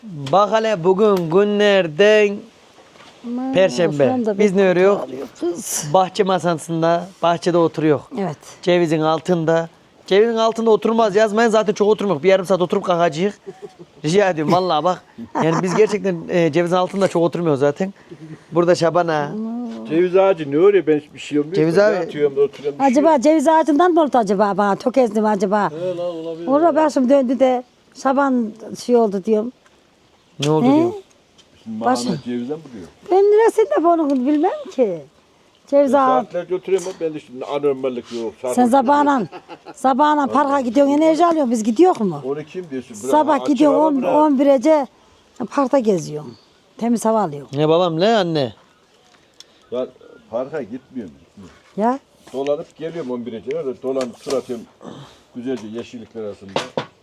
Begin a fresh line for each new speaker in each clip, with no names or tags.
Bak hele bugün günlerden Perşembe. Biz ne örüyoruz? Bahçe masasında, bahçede oturuyor.
Evet.
Cevizin altında. Cevizin altında oturmaz yazmayın zaten çok oturmuyor. Bir yarım saat oturup kalkacağız. Rica ediyorum vallahi bak. Yani biz gerçekten cevizin altında çok oturmuyoruz zaten. Burada Şaban'a.
Ceviz ağacı ne öyle ben bir şey olmuyor.
Ceviz
Ben
abi-
atıyorum da oturuyorum.
Acaba ceviz ağacından mı oldu acaba bana? Tökezdim acaba.
He lan olabilir.
Orada başım döndü de Şaban şey oldu diyorum.
Ne oldu
He?
diyor.
Şimdi
Başı-
Mahmut cevizden mi diyor?
Ben neresinde bunu bilmem ki. Ceviz ağacı.
Saatlerce oturuyorum ama ben de şimdi anormallik yok.
Sen sabahına parka gidiyorsun enerji alıyorsun biz gidiyor mu?
Onu kim diyorsun? Bırak,
Sabah
açık
gidiyorsun
hava bırak.
11'ece parkta geziyorsun. Temiz hava alıyorsun.
Ne babam ne anne?
Ya parka gitmiyorum.
Ya
Dolanıp geliyorum 11'e kadar. Dolanıp tur atıyorum. Güzelce yeşillikler arasında.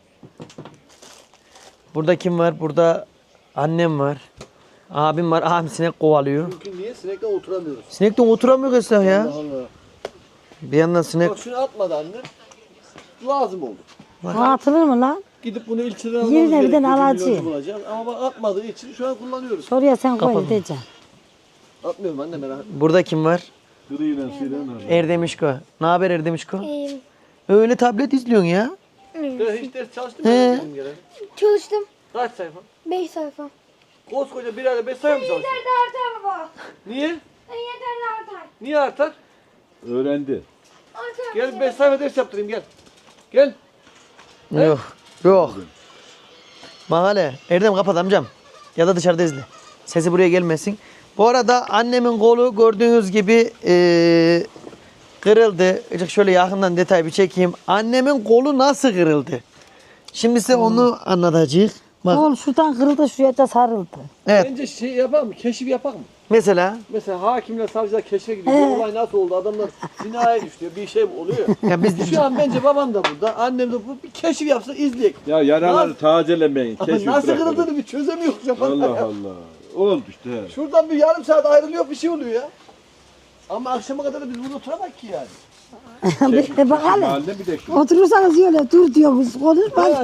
Burada kim var? Burada annem var. Abim var. Abim sinek kovalıyor.
Çünkü niye? Sinekten oturamıyoruz.
Sinekten oturamıyor Esra ya.
Allah Allah.
Bir yandan sinek.
Bak şunu atmadı anne. Lazım oldu.
atılır mı lan?
Gidip bunu ilçeden
Yerine
almamız
bir de
gerekiyor.
alacı.
Milyoncu bulacağız. Ama bak atmadığı için şu an kullanıyoruz.
Soruya sen koy
Kapalı.
diyeceğim.
Atmıyorum anne merak etme.
Burada kim var?
Gırıyla şeyle nerede?
Erdemişko. Ne haber Erdemişko?
İyiyim.
Öyle tablet izliyorsun ya.
Ya hiç ders çalıştın
He.
mı? Bizim gelen?
Çalıştım.
Kaç sayfa?
5 sayfa.
Koskoca bir ayda 5 sayfa mı çalıştın?
Yeter de artar baba.
Niye?
Yeter de artar.
Niye artar?
Öğrendi.
Artar.
Gel 5 sayfa ders yaptırayım gel. Gel.
Yok. Yok. Mahale. Erdem kapat amcam. Ya da dışarıda izle. Sesi buraya gelmesin. Bu arada annemin kolu gördüğünüz gibi kırıldı. Azıcık şöyle yakından detay bir çekeyim. Annemin kolu nasıl kırıldı? Şimdi size onu anlatacağız. Bak.
Oğlum şuradan kırıldı şuraya da sarıldı.
Evet.
Bence şey yapalım mı? Keşif yapalım mı?
Mesela
Mesela hakimle savcılar keşfe gidiyor. Bu olay nasıl oldu? Adamlar zinaya düştü. Bir şey mi oluyor?
ya biz
Şu an bence babam da burada. Annem de bu. Bir keşif yapsa izleyek.
Ya yaraları tazelemeyin.
Ama
Keşif
nasıl
bırakın.
kırıldığını bir çözemiyoruz. ya.
Allah Allah. Oldu işte. he.
Şuradan bir yarım saat ayrılıyor bir şey oluyor ya. Ama akşama kadar da biz burada oturamak ki yani.
Bak hele.
Mahalle bir de şu.
Oturursanız öyle dur diyoruz. Konuşma.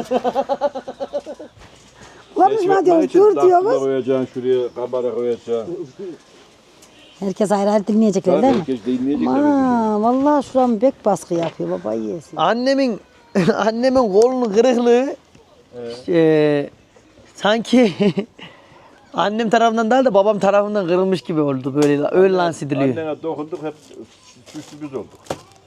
Konuşma diyoruz. Dur
Takla
diyoruz.
koyacaksın şuraya, kamera koyacaksın.
Herkes ayrı ayrı dinleyecekler değil mi?
Herkes dinleyecekler.
Aa, vallahi şuram bek baskı yapıyor baba yesin.
annemin kolunun kırıklığı sanki annem tarafından değil de babam tarafından kırılmış gibi oldu böyle öyle lanse ediliyor.
Annene dokunduk hep suçlu olduk.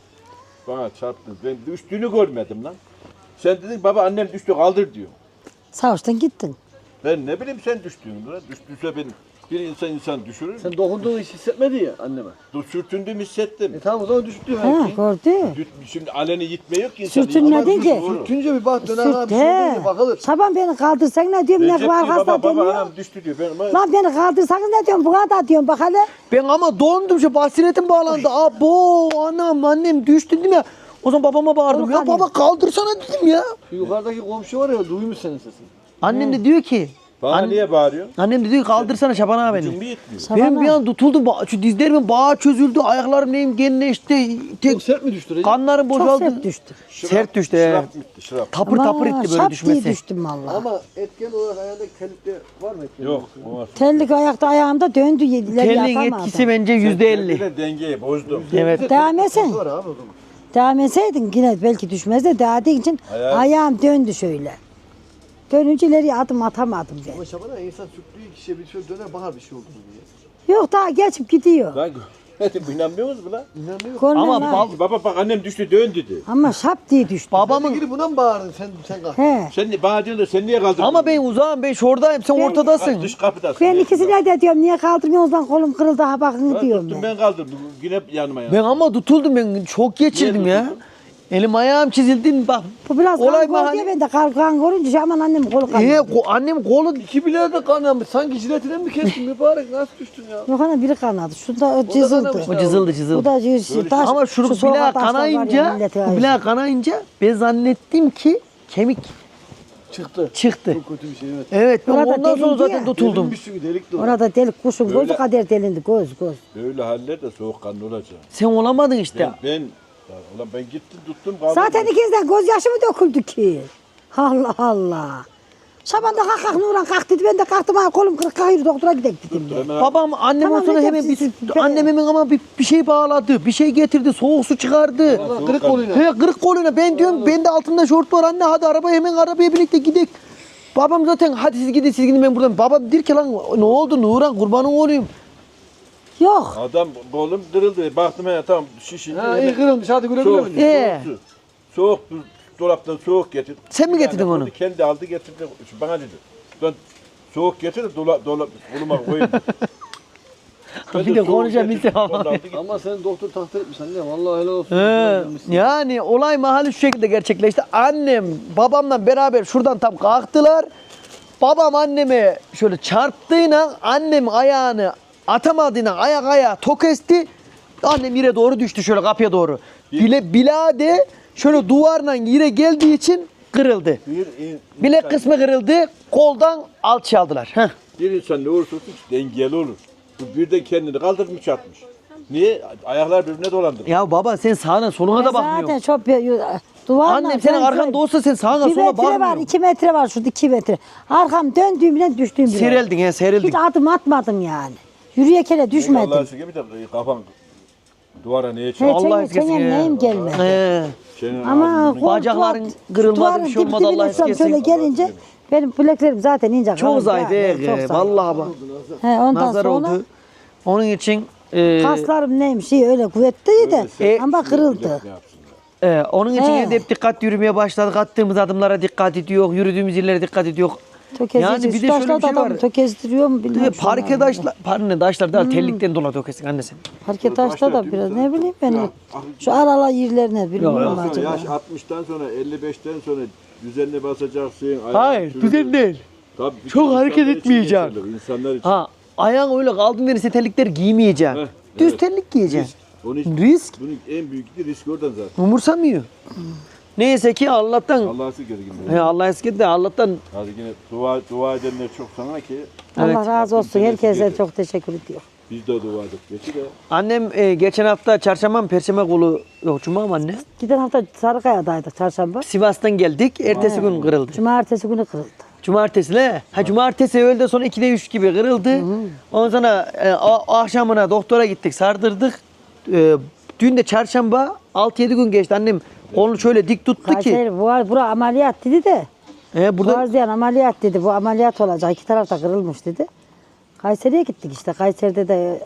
Bana çarptın. Ben düştüğünü görmedim lan. Sen dedin baba annem düştü kaldır diyor.
Savaştan gittin.
Ben ne bileyim sen düştüğünü lan. Düştüyse ben bir insan düşürür mü?
Sen dokunduğunu hiç hissetmedi ya anneme.
Sürtündüğümü hissettim.
Tamam o zaman düştü
Ha,
belki.
gördü.
Şimdi aleni gitme yok ki insan.
Sürtünmedin ki.
Sürtünce bir bak döner abi
Sürt
bir şey
he.
olunca bakılır.
Şaban beni kaldırsan ne diyorum ne
Recep
var
diyor,
hasta
baba
deniyor.
anam düştü diyor. Ben ama
Lan beni kaldırsanız ne diyorum bu kadar diyorum bak hele.
Ben ama dondum şu basiretim bağlandı. Abo anam annem düştü değil mi? O zaman babama bağırdım.
Oğlum
Ya
hani-
baba kaldırsana dedim ya.
Şu yukarıdaki komşu var ya duymuş senin sesini.
Annem de diyor ki
bana niye bağırıyor?
annem de diyor ki kaldırsana Şaban abi
Gücüm
beni.
bir yetmiyor.
Benim bir an tutuldum. Şu dizlerimin bağı çözüldü. Ayaklarım neyim genleşti.
Çok
Tek
sert mi düştü Recep?
kanlarım
Çok
boşaldı.
sert düştü.
Sert düştü. he.
Şırap bitti şırap.
Tapır tapır etti böyle
şap
düşmesi.
diye düştüm valla.
Ama etken olarak ayağındaki telikte var mı etken?
Yok. Olmaz.
Tellik ayakta ayağımda döndü yediler
Kelin
yapamadım.
etkisi bence %50.
Kendine dengeyi bozdum.
Evet.
Devam etsen.
Var abi o zaman.
Devam etseydin yine belki düşmez de devam ettiğin için
Ayağı-
ayağım döndü şöyle. Dönünce ileriye adım atamadım ben.
Ama Şaban'a insan sürttüğü kişiye bir şey döner bakar bir şey oldu mu diye.
Yok daha geçip gidiyor.
Lan bu inanmıyor musun lan?
İnanmıyor.
Görmem
Ama
ha.
Baba bak annem düştü dön dedi.
Ama şap diye düştü.
Babamın
Gidip buna mı bağırdın sen kalk.
He.
Sen bana diyorsun da sen niye kaldırdın?
ama ben uzağım ben şuradayım sen ortadasın.
Dış kapıdasın.
Ben ikisine de diyorum niye kaldırmıyorsunuz lan kolum kırıldı ha bakın
Ben
diyorum
tuttum
ben.
ben kaldırdım. Yine yanıma ya.
Ben ama tutuldum ben çok geçirdim
Niye
ya.
tutuldun?
Elim ayağım çizildi bak.
Bu biraz
Olay
kan
mahalle-
gör diye ben de kan görünce aman annem kolu kanıyor.
Annem kolu
İki bileğe de kanamış. Sanki jiletine mi kestin mübarek? Nasıl düştün ya?
Yok ana biri kanadı. Şunda cızıldı.
kanamış.
o cızıldı
Bu
cızıldı.
da cızıldı. Taş,
Ama şu
soğuk
bileğe
taşlar var ya,
kanayınca,
millete
bu
ayır.
bileğe kanayınca ben zannettim ki kemik
Çıktı.
çıktı.
Çok kötü bir şey evet.
Evet ben
Orada
ondan sonra
delindi
zaten
ya.
tutuldum.
Delinmiş çünkü delik dolu.
Orada delik kuşun
Böyle-
gözü kadar delindi göz.
Böyle haller de soğukkanlı olacak.
Sen olamadın işte.
Ulan ben gittim tuttum kaldım.
Zaten ikinizden gözyaşı mı döküldü ki? Allah Allah. Şaban da kalk Nuran kalk dedi. Ben de kalktım ha kolum kırık hayır doktora gidelim dedim ya.
Babam annem
Tamam,
o sonra
Recep,
hemen
siz-
annem hemen ama bir şey bağladı. Bir şey getirdi. Soğuk su çıkardı.
Kırık koluyla.
He kırık koluna. Ben diyorum bende altında şort var anne hadi arabaya birlikte gidelim. Babam zaten hadi siz gidin ben buradan. Babam der ki lan ne oldu Nuran kurbanın olayım.
Yok.
Adam kolum kırıldı. Baktım ya tamam şişindi.
Ha iyi kırılmış hadi güle
Soğuk,
güle.
soğuk su. Soğuk su. Dolaptan soğuk getir.
Sen mi getirdin onu?
Kendi aldı getirdi. Bana dedi. Ben soğuk getir de koluma koyayım. Ben
Bir de
soğuk
konuşabilsem
getirdim,
ama.
onu da aldı gitti.
Ama sen doktor takdir etmiş anne. Vallahi helal olsun.
Yani olay mahalli şu şekilde gerçekleşti. Annem babamla beraber şuradan tam kalktılar. Babam anneme şöyle çarptığıyla annem ayağını atamadığıyla ayak ayağa tok esti. Annem yere doğru düştü şöyle kapıya doğru. Bilade şöyle duvarla yere geldiği için kırıldı. Bilek kısmı kırıldı. Koldan alçı aldılar. Heh.
Bir insan ne olursa olsun dengeli olur. Bu birden kendini kaldırmış atmış. Niye? Ayaklar birbirine dolandı.
Ya baba sen sağına soluna da
Zaten
bakmıyorsun.
çok duvarla.
Annem senin arkanda olsa sen sağına
Bir
sola
metre var,
bakmıyorsun.
2 metre var şurada 2 metre. Arkam döndüğümden düştüğüm bile.
Serildin ya serildin.
Hiç adım atmadım yani. Yürüyekene
Allah'a
düşmedim.
şükür bir de kafan duvara neye
He,
çarptı?
Allah
senin,
eskesin
senin
ya.
neyim gelmedi.
He.
Senin
Ama
ağzını-
Bacakların kırılmadı, bir şey olmadı, Allah eskesin.
Şöyle gelince benim bileklerim zaten ince.
Çok
kalın
zayıf.
ya, çok zayıf.
Vallahi bak.
He, ondan
Nazar
sonra
oldu. Onun için
kaslarım neymiş iyi öyle kuvvetliydi de ama kırıldı.
Ne yapsınlar?
onun için
He.
evde hep dikkat yürümeye başladık. Attığımız adımlara dikkat ediyor. Yürüdüğümüz yerlere dikkat ediyor. Yani bir de şöyle bir şey var.
Tökezdiriyor mu bilmiyorum.
Parke taşlar da tellikten dolayı dökesin annesi.
Parke taşta da biraz ne bileyim ben. Şu aralar yerlerine bilmiyorum
Ondan sonra
acaba.
yaş 60'tan sonra 55'ten sonra düzenli basacaksın. ayağın
Hayır,
sürülür.
düzen değil.
Tabii,
Çok
insanlar
hareket
için
etmeyeceksin.
geçerli, İnsanlar için.
Ha, ayağın öyle kaldığın verirse terlikler giymeyeceksin.
Heh,
Düz
evet.
terlik giyeceksin.
Onun için,
Risk.
bunun en büyük risk oradan zaten.
Umursamıyor. Neyse ki Allah'tan
Allah'a şükür yine.
Allah eskidi de Allah'tan
Hadi yine dua edenler çok sana ki
Allah razı olsun.
Rabbim
Herkese
seni
çok teşekkür ediyor.
biz de dua edip geçi de
annem geçen hafta çarşamba mı perşembe kolu yok cuma mı anne?
Giden hafta Sarıkaya'daydık çarşamba.
Sivas'tan geldik. Ertesi gün kırıldı.
Cumartesi günü kırıldı.
Cumartesi ne? Ha cumartesi öğleden sonra 2'de 3 gibi kırıldı. Ondan sonra akşamına doktora gittik, sardırdık. Dün de çarşamba 6-7 gün geçti. Annem kolunu şöyle dik tuttu ki.
Kayseri bura ameliyat dedi de.
Burada
Boğazlayan ameliyat dedi. Bu ameliyat olacak. 2 tarafta kırılmış dedi. Kayseri'ye gittik işte. Kayseri'de de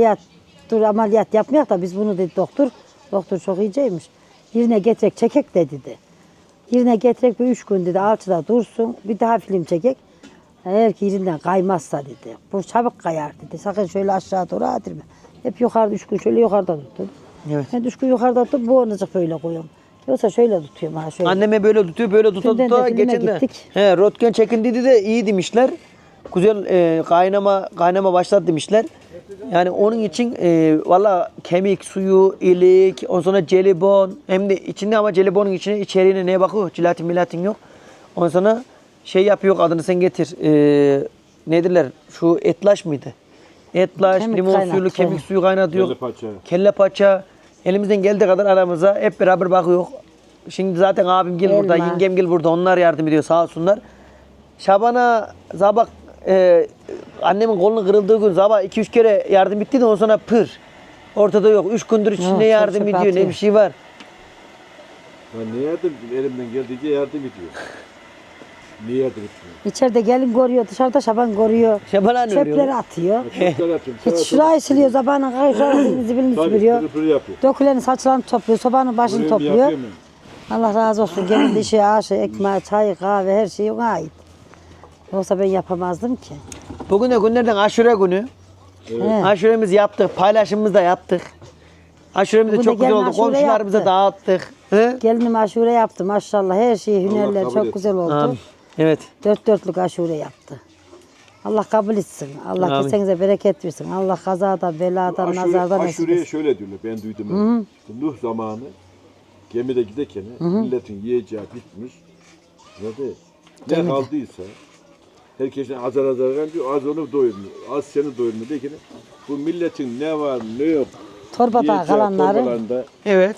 ameliyat yapmayak da biz bunu dedi doktor. Doktor çok iyiceymiş. Yerine getirek çekek de dedi. Yerine getirek bir 3 gün dedi. Alçıda dursun. Bir daha film çekek. Eğer ki yerinden kaymazsa dedi. Bu çabuk kayar dedi. Sakın şöyle aşağı doğru atırma. Hep yukarıda 3 gün şöyle yukarıda tuttum.
Evet.
Ben 3 gün yukarıda tutup bu onucuk böyle koyuyorum. Yoksa şöyle tutuyorum ha şöyle.
anneme böyle tutuyor, böyle tuta
Dünden de
tuta
filme
geçen de.
gittik.
He, röntgen çekindiydi de iyi demişler. Güzel kaynama başladı demişler. Yani onun için valla kemik suyu, ilik, ondan sonra jelibon hem de içinde ama jelibonun içeriğine neye bakıyor? Jelatin milatin yok. Ondan sonra şey yapıyor adını sen getir. Nedirler? Şu etlaş mıydı? Etlaş,
Kemik
limon
kaynat,
suyuyla kemik
evet.
suyu kaynatıyor.
kelle paça.
Kelle paça. Elimizden geldiği kadar aramıza hep beraber bakıyor. Şimdi zaten abim gel burada,
Elma.
yengem gel burada. Onlar yardım ediyor sağ olsunlar. Şaban'a sabah annemin kolunun kırıldığı gün sabah 2-3 kere yardım etti de ondan sonra pır. Ortada yok. 3 gündür
Yok,
ne
çok
yardım
çok
ediyor ne
atıyor.
bir şey var.
Ben ne yardım elimden geldiğince yardım ediyor. Niye yardım etmiyor?
İçeride gelin görüyor, dışarıda Şaban görüyor.
Şaban anne
Çöpleri
örüyor.
atıyor.
Çocuklar atıyorum.
Hiç şurayı siliyor, zabanın kayışlarını zibilini süpürüyor.
Tabii yapıyor.
Dökülenin saçlarını topluyor, sobanın başını
Buraya mı
topluyor.
yapıyor mu?
Allah razı olsun. Gelin dişi, aşı, ekmeği, çayı, kahve her şey ona ait. Yoksa ben yapamazdım ki.
Bugün de günlerden aşure günü.
He.
Aşuremizi yaptık. Paylaşımımızı da yaptık. Aşuremiz de
Bugün de
çok güzel
gelin
oldu.
aşure
Komşularımıza
yaptı.
dağıttık. He?
Gelinim aşure yaptı maşallah. Her şey, hünerler
kabul
çok
etsin.
güzel oldu.
Amin. Evet.
Dört dörtlük aşure yaptı. Allah kabul etsin. Allah
Amin.
kesenize bereket versin. Allah kazadan, beladan, nazardan nasip
Aşureye
etsin.
şöyle diyorlar, ben duydum. İşte Nuh zamanı gemide giderken milletin yiyeceği bitmiş. Ne kaldıysa herkesin azar diyor, az onu doyurmuyor, az seni doyurmuyor derken bu milletin ne var ne yok
Torbada
yiyeceği
kalanları
torbalarında
Evet.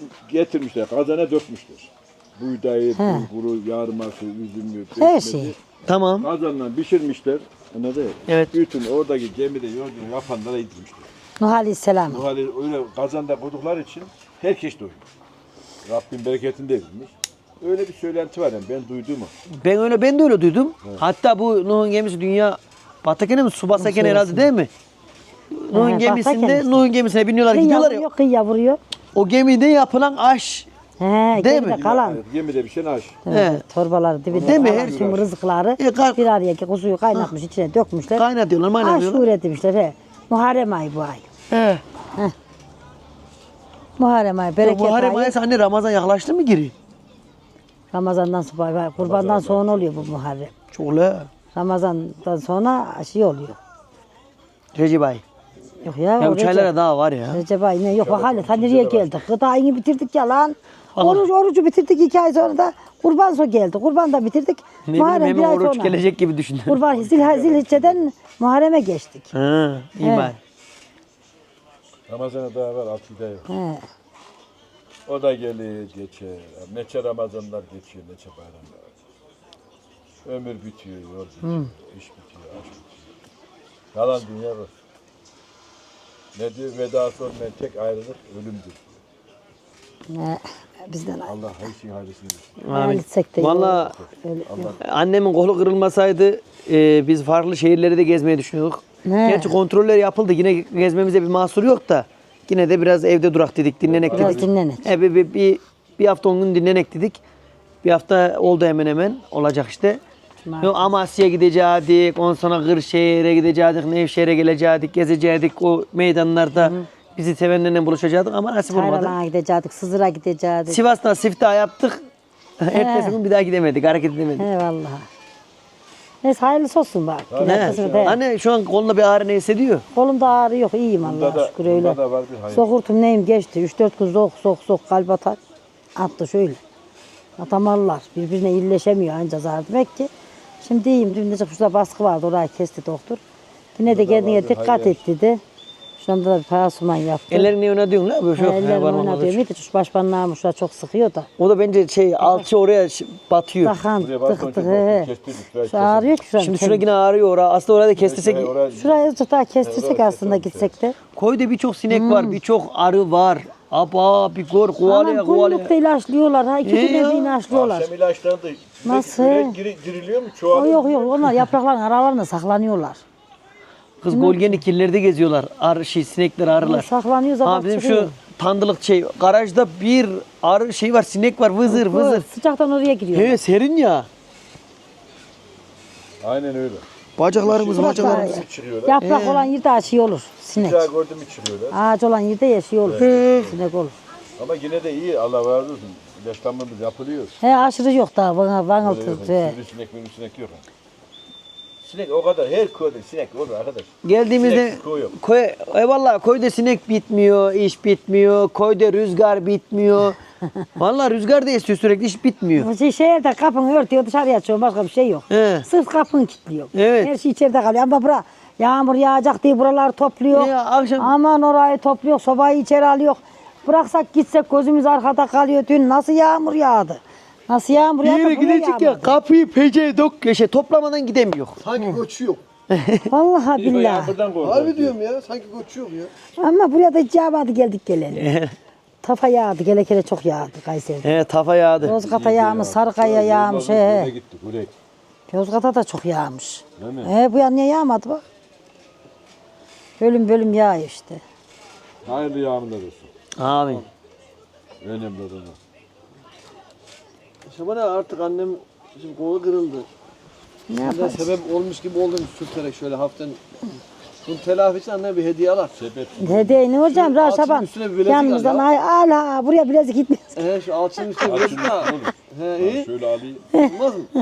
getirmişler, kazana dökmüşler. Buğdayı, bulguru, yarması, üzümü,
her
pekmezi.
şey.
Tamam.
Kazanla pişirmişler. Anladın mı?
Evet.
Bütün oradaki gemide yolculuğu yapanlara yedirmişler.
Nuh Aleyhisselam.
Bu hali öyle kazanda koydukları için herkes doyuyor. Rabbim bereketini de vermiş. Öyle bir söylenti var yani ben duyduğumu.
Ben de öyle duydum. Hatta bu Nuh'un gemisi dünya batarken mi su basarken herhalde değil mi? Nuh'un
He,
gemisinde
batarken işte.
Nuh'un gemisine biniyorlar
Kıyıya
gidiyorlar ya.
vuruyor, kıyıya vuruyor.
O gemide yapılan aş.
He,
Değil
geride
mi?
kalan.
Gemide bir şey aş.
He.
Torbaları dibinde
Değil mi?
kalan tüm rızıkları bir araya kuzuyu kaynatmış içine dökmüşler.
Kaynatıyorlar, maynatıyorlar.
Aşure demişler he. Muharrem ayı bu ay.
He.
Muharrem ayı, bereket
Muharrem
ayı.
ayı anne Ramazan yaklaştı mı giri?
Ramazan'dan sonra, kurbandan sonra oluyor bu Muharrem.
Çok la.
Ramazan'dan sonra şey oluyor.
Recep ayı.
Yok ya.
Ya
o
bu çaylara
Recep-
daha var ya.
Recep ayı ne? Yok bak hala ta nereye geldik? Gıdayını bitirdik ya lan.
Allah.
Orucu bitirdik 2 ay sonra da kurban sonra geldi. Kurban da bitirdik.
Ne bileyim
Muharrem bir
hemen
ay
oruç
sonra.
gelecek gibi düşündüm.
Kurban Zilhicce'den Muharrem'e geçtik.
Ha, iyi
He.
bari.
Ramazan'a daha var 6 ay yok.
He.
O da gelir geçer. Neçe Ramazanlar geçiyor, neçe bayramlar. Ömür bitiyor, yol bitiyor, iş bitiyor, aşk bitiyor. Yalan dünya var. Ne diyor? Vedası olmayan tek ayrılık ölümdür.
Ne? Bizden
Allah her şeyin hayırlısını versin.
Amin.
ayrılsak da
Valla
öyle.
annemin kolu kırılmasaydı biz farklı şehirleri de gezmeyi düşünüyorduk.
Ne?
Gerçi kontroller yapıldı. Yine gezmemize bir mahsur yok da. Yine de biraz evde durak dedik, dinlenek
Biraz
dedik.
dinlenek.
Bir hafta 10 gün dinlenek dedik. Bir hafta oldu hemen hemen. Olacak işte. Yok, Amasya'ya gidecektik, ondan sonra Kırşehir'e gidecektik, Nevşehir'e gelecektik, gezecektik. O meydanlarda bizi sevenlerle buluşacaktık ama nasip olmadı.
Kayralan'a gidecektik, Sızır'a gidecektik.
Sivas'tan siftah yaptık. Ertesi gün bir daha gidemedik, hareket edemedik.
He vallahi. Neyse hayırlısı olsun bak.
Ne?
Arkasını da-
Anne şu an kolunda bir ağrı ne hissediyor?
Kolumda ağrı yok, iyiyim
Bunda
Allah'a
da,
şükür öyle.
bunda da var bir hayır.
Sokurtum neyim geçti. 3-4 gün sok kalp atar. Attı şöyle. Atamarlar. Birbirine illeşemiyor anca zar demek ki. Şimdi iyiyim. Dün de şurada baskı vardı. Orayı kesti doktor. Yine de kendine dikkat et dedi. Şu anda da bir pansuman yaptı.
Ellerini ne oynatıyorsun la? Böyle şu
Ellerim
parmağımla
oynatıyor.
böyle.
Bir de şu başparmağımı şurada çok sıkıyor da.
O da bence alçı oraya batıyor.
Takan
Buraya bak,
tık tık.
önce
He.
kestirdik, şurayı
Şu ağrıyor ki şuram.
Şimdi şurada yine ağrıyor oraya. Aslında orada kestirsek.
Şurayı tutar kestirsek aslında gitsek de.
Koyda birçok sinek var, birçok arı var. Aba bir gör kovalaya
Anam
kovalaya.
günlükte ilaçlıyorlar. Ha 2
Ne
güne
ya?
bir ilaçlıyorlar.
Akşam ilaçlarını da
Nasıl?
diriliyor mu?
O
Çoğalıyor
yok onlar yaprakların aralarında saklanıyorlar.
Kız golgeni kirlerde geziyorlar. Arı sinekler arılar.
Saklanıyor
Ha
zaman
bizim
çıkıyor.
şu tandılık garajda bir arı var sinek var vızır vızır.
Sıcaktan oraya giriyor.
He serin ya.
Aynen öyle.
Bacaklarımız
Surat
bacaklarımız.
var.
Çıkıyorlar.
Yaprak olan yerde aşı olur sinek.
Bir daha gördüm içiriyorlar.
Ağaç olan yerde yaşıyor olur. Sinek olur.
Ama yine de iyi Allah razı olsun. İlaçlanmamız yapılıyor.
He aşırı yok daha bana
Öyle
bana
yok.
he.
Sinek yok. Sinek o kadar her köyde sinek olur arkadaş.
Geldiğimizde
Sinek koy yok.
eyvallah koyda sinek bitmiyor, iş bitmiyor. Koyda rüzgar bitmiyor. Vallahi rüzgar da esiyor sürekli iş bitmiyor.
Bu şehirde kapını örtüyor dışarıya açıyor başka bir şey yok.
He.
Sırf kapını kilitliyor.
Evet.
Her şey içeride kalıyor ama bura yağmur yağacak diye buraları topluyor.
Ya, akşam-
Aman orayı topluyor sobayı içeri alıyor. Bıraksak gitsek gözümüz arkada kalıyor. Dün nasıl yağmur yağdı? Nasıl yağmur
Bir
yağdı?
yere
buraya
gidecek ya
yağmadı.
kapıyı pece toplamadan gidemiyor.
Sanki koçu yok.
Vallahi billahi.
Yağmurdan korkuyor.
Harbi diyorum ya. Sanki koçu yok ya.
Ama buraya da hiç yağmadı geldik geleli. Tafa yağdı gelekele çok yağdı Kayseri'de.
He tafa yağdı.
Yozgat'a yağmış, Sarıkaya yağmış.
Buraya
He.
gittik buraya.
Yozgat'a da çok yağmış.
Değil mi?
He bu yan niye yağmadı bak. Bölüm bölüm yağıyor işte.
Hayırlı yağmurlar olsun.
Amin.
Önemli olan o.
Şabana artık annem şimdi kolu kırıldı.
Ne
Ben
yapalım?
sebep olmuş gibi oldum sürterek şöyle hafiften. Bunun telafi için anneme bir hediye alır.
Sebep.
Hediye ne hocam?
Şu alçının
Raşaban.
üstüne bir bilezik
Yanımızdan
al ya.
ay ala buraya bilezik gitmez.
Şu alçının üstüne
Al
bilezik
şunu,
al.
olur.
He iyi.
Şöyle alayım.
Olmaz mı?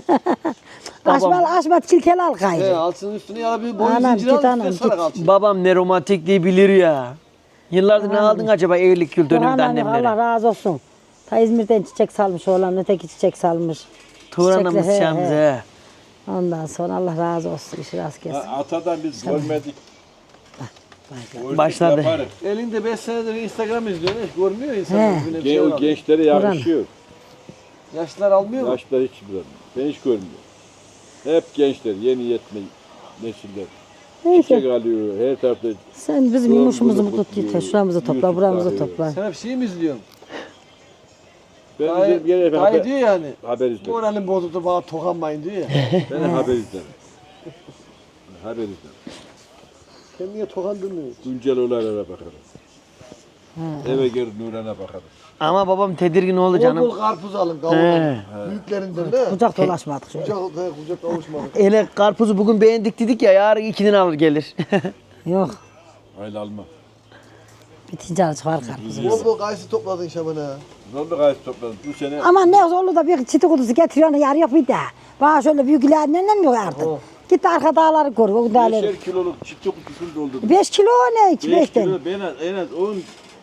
Açma çilkel al
He
gayrı.
alçının üstüne ya bir boyun
Anam,
zinciri al
git
üstüne
anam,
sarak
git.
alçın.
Babam ne romantikliği bilir ya. Yıllardır ne aldın acaba evlilik yıl dönümünde
Anam Allah
annemlere?
razı olsun. Ta İzmir'den çiçek salmış oğlan öteki çiçek salmış.
Tuğran'ımız
Çiçekle, he,
şamız
he.
he.
Ondan sonra Allah razı olsun. İşi rast gelsin.
Atadan biz görmedik. Gördük,
Başladı.
yaparız.
Elinde 5 senedir Instagram izliyor. Hiç görmüyor
He.
insan. Birbirine bir şey
O
var.
gençlere yakışıyor.
Yaşlılar almıyor mu?
Yaşlar hiç bilmiyorum. Ben hiç görmüyorum. Hep gençler, yeni yetme nesiller.
Neyse.
Çiçek alıyor, her tarafta.
Sen bizim
Yol
yumuşumuzu
bulup
tut
gidiyor.
yeter. Şuramızı topla,
YouTube
buramızı
arıyor.
topla.
Sen hep şey mi izliyorsun?
Ben
Dayı,
bizim yine
dayı diyor yani.
haber izlerim.
Moralin bozuldu bana tokanmayın diyor ya.
Ben de haber izlerim. Haber izlerim.
Kendine tokandırmıyor.
Güncel olaylara bakarım. Eve geri Nuran'a bakarım.
Ama babam tedirgin oldu
Bol
canım.
bol karpuz alın kavurun.
He.
Büyüklerinden de.
Kucak dolaşmadık şöyle.
Kucak kavuşmadık.
Ele karpuzu bugün beğendik dedik ya yarın 2'den alır gelir.
Yok.
Hayli alma.
Bitince çıkar karpuz.
Bol bol kayısı topladın Şaban ha.
Zorlu gayet topladım. Bu sene
Ama ne zorlu da bir çiti kutusu getiriyor yarı yok bir de. Bana şöyle büyük ilerlerinden mi artık? Git de arka dağları gör, o dağları.
5'er kiloluk çiftçi kutusunu doldurdum.
5 kilo ne? 2
5
5'ten.
kilo en az 10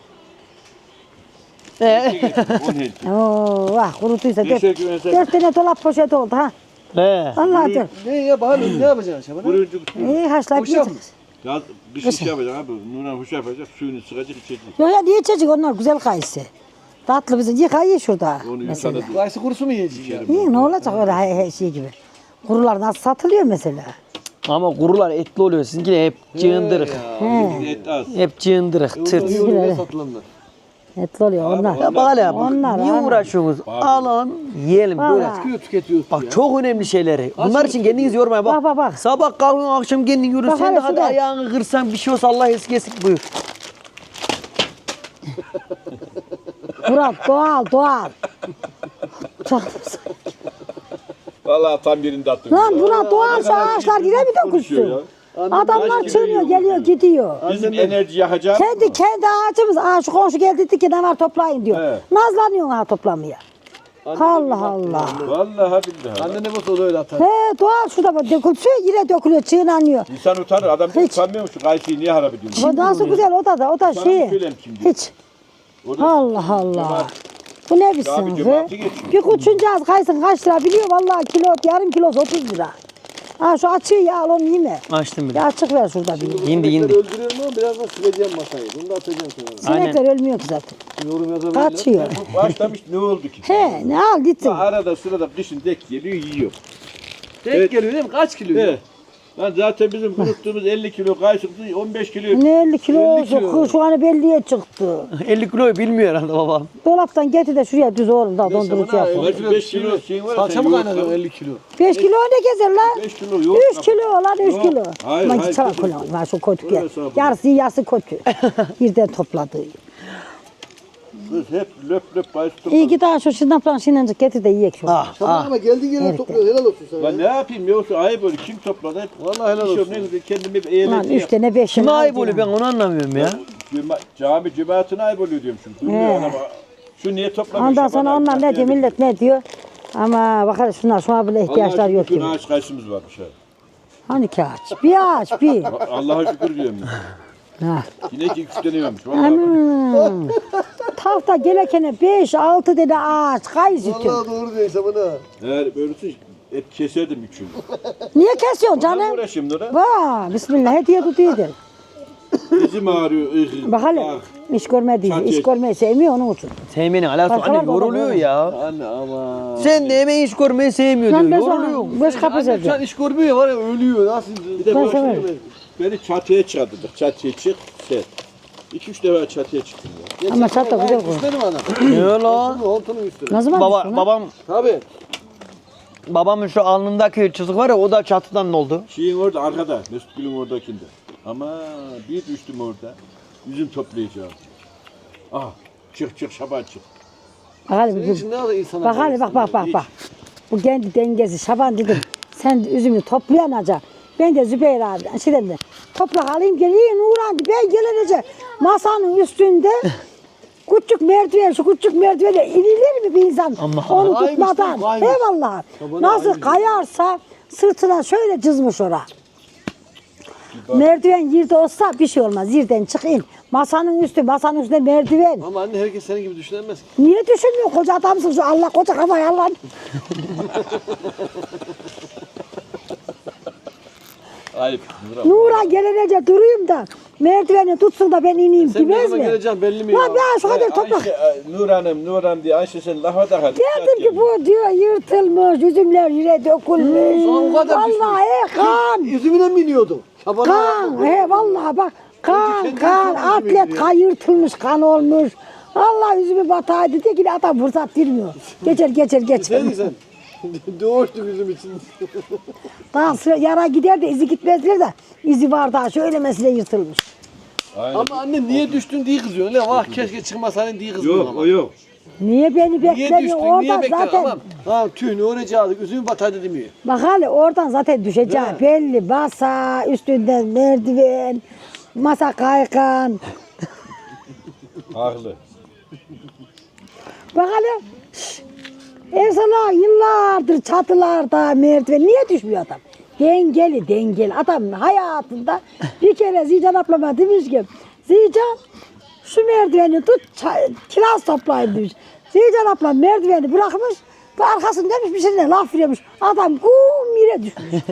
He.
10 helki.
Oo, vah kurutuysa
Beşer kilo mesela.
4 tane dolap poşeti oldu ha.
He.
Vallahi dur.
Ne ya bakalım ne yapacaksın Şaban ha?
Buruncu
İyi haşlayıp
Hoşaf mı?
yiyeceğiz.
yaz kış iş yapacak abi. Nuran hoş yapacak. Suyunu sıkacak içecek.
Yok ya niye içecek onlar güzel kayısı. Tatlı bizim yıka ye şurada.
Onu
Mesela.
yıkadı.
Kayısı kurusu mu yiyecek ya?
İyi ne olacak öyle her şey gibi. Kurular nasıl satılıyor mesela?
Ama kurular etli oluyor. Sizinki de hep cığındırık.
Bizde et az.
Hep cığındırık, tırt.
Niye öyle satılanlar?
Etli oluyor onlar.
Ya bak hele
Onlar,
niye
onlar.
uğraşıyorsunuz? Alın, yiyelim böyle.
Vallahi.
Tüketiyoruz
Bak
ya.
çok önemli şeyleri. Bunlar için kendiniz yormayın. Bak,
Bak.
Sabah kalkın akşam kendin yürü.
Bak
Sen
hele
de hadi
şurada.
ayağını kırsan bir şey olsa Allah eskesin buyur.
Murat doğal.
Vallahi tam yerinde attım.
Lan Murat doğal şu ağaçlar yine mi dökülsün? Adamlar çığırıyor geliyor gidiyor.
Bizim enerji yakacağız.
Kendi ağacımız. Aa şu komşu geldi dedi ki ne var toplayın diyor.
He.
Nazlanıyorsun ha toplamaya. Allah Allah.
Vallahi billahi.
Anne ne olsa öyle atar.
He doğal şurada bak dökülsün yine dökülüyor çığınanıyor.
İnsan utanır. Adam
Hiç.
utanmıyor mu şu kayısıyı niye harap ediyorsun?
O nasıl güzel o da
Sana
şey.
söyleyeyim şimdi.
Hiç.
O da
Allah. Bu ne
Abi
bilsin
cemaati
be?
geçiyor.
Bir kuçuncağız kaysın kaç lira biliyor vallahi kilo yarım kilosu 30 lira. Ha şu açığı ya al onu yeme.
Açtım bile.
Bir açık ver şurada bir.
Yindi.
Öldürüyorum ama birazdan sileceğim masayı. Bunu da atacağım sonra.
Sinekler ölmüyor ki zaten.
Yorum yazabilirler.
Kaçıyor.
başlamış ne oldu ki?
He ne al gitsin.
Arada sırada kışın dek geliyor yiyor.
Tek
Evet.
geliyor değil mi? Kaç kilo?
Evet. Lan zaten bizim kuruttuğumuz 50 kilo kayısımızı 15 kilo.
Ne 50 kilo
50
olsun
kilo.
şu an belliye çıktı.
50 kiloyu bilmiyor herhalde babam.
Dolaptan getir de şuraya düz oğlum da dondurucu
Şaban ha,
yapalım.
50 5 kilo şeyin var ya,
Salça
sen
mı
yoğurt
kaynatıyorsun
al.
50 kilo?
5 kilo ne gezer lan?
5 kilo yok.
3 kilo lan 3
Yok.
kilo.
Hayır,
Aman
hayır,
çalak
kilo.
ulan şu kötü
Öyle
gel.
hesabı.
Yarısı kötü. Birden topladı.
Kız hep löp kayısı
İyi
topladı.
ki daha şu şırnakla şinacık getir de yiyek şu.
Ah
Şaban
ah.
ama geldiğin yerine
Evet.
topluyor. Helal olsun sana.
Lan ne yapayım yoksa ayıp olur. Kim topladı? Hep
Vallahi helal
iş yok,
olsun.
ne güzel kendimi hep
Lan
eğlenceli
3 tane 5
Kime
tane.
ayıp oluyor ben onu anlamıyorum ya.
Cami cemaatine ayıp oluyor diyorum şimdi. Duymuyor
He.
ana bak. Şu niye toplamış?
Ondan
Şaban
sonra
abi,
onlar ne
bak
diyor
yani.
millet ne diyor. Ama bakarız şunlar şuna bile ihtiyaçlar yok
Allah'a
gibi.
şükür ağaç kayısımız varmış ha.
Hani ki ağaç? Bir ağaç bir.
Allah'a şükür diyorum.
Ha.
Yine ki 3 tane varmış. Vallahi.
Anam. Tahta gelekene 5-6 tane ağaç kayısı tüm.
Vallahi doğru diyorsun Şaban ha.
Eğer böylesi et keserdim üçünü.
Niye kesiyorsun
Canım.
canım?
Uğraşayım Nura.
Vaa bismillah hediye tutuyordur.
Dizim ağrıyor.
Bak hele iş görmediği, iş görmeyi sevmiyor onun için.
Sevmenin alakası
Başkalar
anne
da
yoruluyor
olur.
ya.
Anne ama.
Sen de hemen iş görmeyi sevmiyor
Lan
diyor.
ben
Yoruluyor.
sana beş kapı
Anne şu an
seveceğim.
iş görmüyor var ya ölüyor. Nasıl?
Bir de
Ben
bu
severim.
beni çatıya çıkarttık. Çatıya çık, set. 2-3 defa çatıya çıktım ya.
Ama çatı güzel koy.
Üstledim ana.
Ne lan?
Hontunun üstüne.
Ne zaman
Baba,
düştün lan?
babamın şu alnındaki çizik var ya o da çatıdan oldu.
Şeyin orada arkada, Mesut Gül'ün oradakinde. Ama bir düştüm orada. Üzüm toplayacağım. Ah, çık Şaban çık.
Bak hele
Senin
bir-
için ne kadar insana
bak hele bak. Bu kendi dengesi Şaban dedim. Sen üzümü toplayanacak. Ben de Zübeyir abi şey dedim. Toprak alayım geleyim Nurhan ben gelince masanın üstünde küçük merdiven şu küçük merdivene inilir mi bir insan
Ama-
onu
Kaymış
tutmadan?
değil mi? Kaymış.
Eyvallah.
Tabii,
Nasıl
kaymış.
kayarsa sırtına şöyle cızmış ora. Merdiven yerde olsa bir şey olmaz. Yerden çık in. Masanın üstünde merdiven.
Ama anne herkes senin gibi düşünemez ki.
Niye düşünmüyor? Koca adamsın şu Allah koca kafayı Allah.
Ayıp.
Nura gelince durayım da merdiveni tutsun da ben ineyim
Sen ne
demez
zaman
mi?
geleceksin belli mi
Lan
ya?
ben şu kadar toprak.
Nur Hanım diye Ayşe sen lafa da hadi.
Dedim ki bu diyor yırtılmış, üzümler yere dökülmüş.
O kadar
Vallahi kan.
Yüzümüne mi iniyordun? Şaban'a
Kan, he vallahi bak. Kan,
kendi
kan,
yüzüme
atlet
giriyor.
kan yırtılmış, kan olmuş. Allah yüzümü bataydı diye ki adam fırsat vermiyor. Geçer.
sen doğuştuk yüzüm için.
Daha sıra yara gider de izi gitmezler de izi var daha şöyle mesele yırtılmış.
Ama anne niye düştün diye kızıyorsun. Ne vah keşke çıkmasaydın diye kızıyorsun
Yok
ama.
o yok.
Niye beni
Niye
beklemiyor?
düştün? Niye
Oradan
bekledin?
zaten
Tamam. Ha tüh ne olacak? Üzümü bataydı demiyor.
bak hali oradan zaten düşeceği belli. Masa, üstünden merdiven, masa kaygan.
Haklı.
Bak hele. Ersala yıllardır çatılarda merdiven niye düşmüyor adam? Dengeli. Adam hayatında bir kere Zican ablama demiş ki Zican şu merdiveni tut kiraz toplayın demiş. Zican ablam merdiveni bırakmış ve arkasını demiş bir şeyine laf veriyormuş. Adam kum yere düşmüş.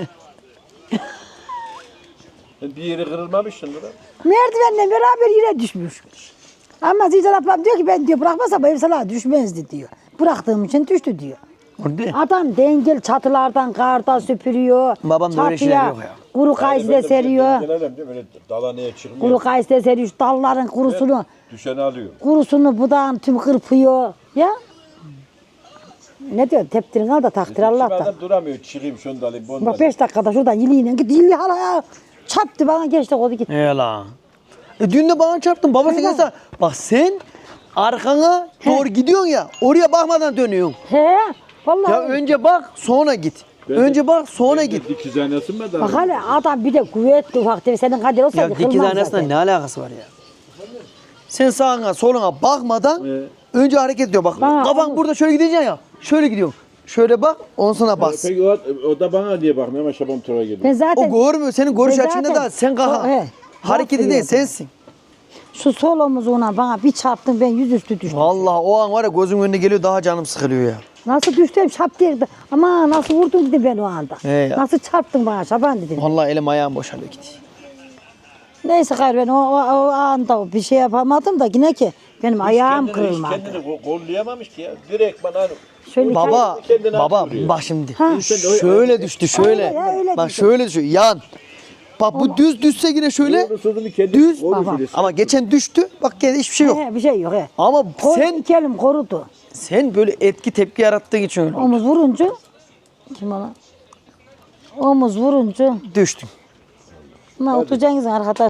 Bir yeri kırılmamışsın lan.
Merdivenle beraber yere düşmüş. Ama Zican ablam diyor ki ben diyor bırakmasa bu ev sana düşmezdi diyor. Bıraktığım için düştü diyor.
O ne?
Adam dengel çatılardan kardan süpürüyor.
Babamda öyle şeyler yok ya.
Kuru kayısı da seriyor.
Gelelim değil mi? Öyle dalaneye çıkmıyor.
Kuru kayısı da seriyor. Şu dalların
Düşeni alıyor.
kurusunu budağın tüm kırpıyor. Ya. Ne diyor? Teptirin al da takdir
Kim
Allah'tan.
adam duramıyor. Çıkayım şunu da alayım. Bunu da
Bak
alayım.
5 dakikada şuradan yiliyle git. Yili hala ya. Çattı bana geçti kodu gitti.
He lan. Dün de bana çarptın. Baba sen gelsene. Bak sen arkana doğru gidiyorsun ya. Oraya bakmadan dönüyorsun.
He. Vallahi.
Ya önce bak sonra git. Önce bak sonra git.
Dikiz aynası mı da?
Bak hala adam bir de kuvvetli ufak tefek. Senin kader olsa
Ya
yıkılmaz
dikiz aynasına
zaten.
ne alakası var ya? Sen sağına soluna bakmadan önce hareket ediyor. Bak
Bana
kafan
onu-
burada şöyle gideceksin ya. Şöyle gidiyorsun. Şöyle bak ondan sonra bas.
Peki o da bana diye bakmıyor ama Şaban Tura geliyor.
Ben zaten
O görmüyor. Senin görüş
Ben
açında
zaten-
da sen kaha.
He.
Hareketi değil
Bakmıyordum.
sensin.
şu sol omuzuna bana bir çarptım ben yüzüstü düştüm.
Vallahi o an var ya gözüm önüne geliyor daha canım sıkılıyor ya.
Nasıl düştüm şap diye. Ama nasıl vurdun dedim ben o anda.
He ya.
Nasıl çarptın bana Şaban dedim.
Vallahi elim ayağım boşalıyor gidiyor.
Neyse gayrı ben o anda bir şey yapamadım da yine ki benim ayağım kırılmadı.
Kendini kollayamamış ki ya. Direkt bana
Şöyle
Baba,
kendine
baba
vuruyor.
bak şimdi.
Ha.
Şöyle düştü şöyle.
Öyle ya, öyle
Bak
düştü.
şöyle düşüyor. Yan. Bak bu düz düşse yine şöyle.
Sözünü kendi
Düz.
Baba.
Ama geçen düştü. Bak gene hiçbir şey yok.
He, bir şey yok he.
Ama
Sen
sen
iki elim korudu.
sen böyle etki tepki yarattığın için öyle oldu.
Omuz vurunca kim ona? Omuz vurunca
Düştün.
ne oturacaksınız arkadaş?